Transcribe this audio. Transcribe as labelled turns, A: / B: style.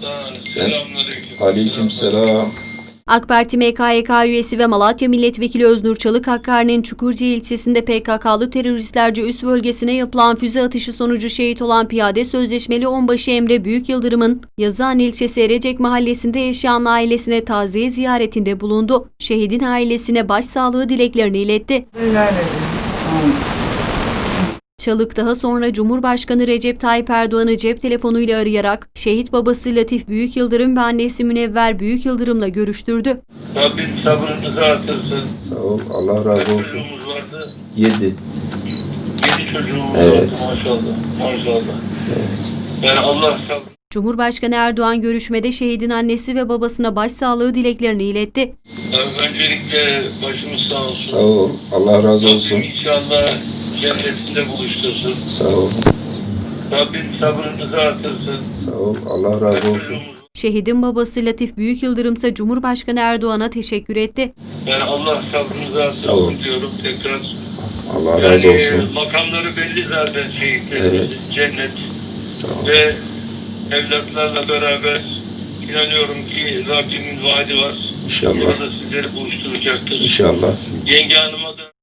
A: Selamünaleyküm.
B: Aleykümselam.
C: AK Parti MKYK üyesi ve Malatya Milletvekili Öznur Çalık Hakkari'nin Çukurca ilçesinde PKK'lı teröristlerce üst bölgesine yapılan füze atışı sonucu şehit olan piyade sözleşmeli onbaşı Emre Büyükyıldırım'ın Yazıhan ilçesi Erecek mahallesinde yaşayan ailesine taziye ziyaretinde bulundu. Şehidin ailesine başsağlığı dileklerini iletti. Çalık daha sonra Cumhurbaşkanı Recep Tayyip Erdoğan'ı cep telefonuyla arayarak şehit babası Latif Büyükyıldırım ve annesi Münevver Büyükyıldırım'la görüştürdü.
A: Rabbim sabrınızı artırsın.
B: Sağ ol. Allah razı
A: Kaç
B: olsun.
A: çocuğumuz vardı?
B: 7.
A: 7 çocuğumuz
B: Evet.
A: vardı maşallah. Maşallah. Yani Allah sabır.
C: Cumhurbaşkanı Erdoğan görüşmede şehidin annesi ve babasına başsağlığı dileklerini iletti.
A: Öncelikle başımız sağ olsun.
B: Sağ ol. Allah razı olsun.
A: Rabbim inşallah cennetinde buluştursun.
B: Sağ ol.
A: Rabbim sabrınızı artırsın.
B: Sağ ol. Allah razı olsun.
C: Şehidin babası Latif Büyükyıldırım ise Cumhurbaşkanı Erdoğan'a teşekkür etti.
A: Yani Allah sabrınızı
B: Sağ ol.
A: artırsın diyorum tekrar.
B: Allah razı olsun.
A: Makamları belli zaten şehitlerimizin.
B: Evet.
A: Cennet.
B: Sağ ol.
A: Ve evlatlarla beraber inanıyorum ki Rabbimin vaadi var.
B: İnşallah.
A: Burada sizleri buluşturacaktır.
B: İnşallah.
A: Yenge hanıma da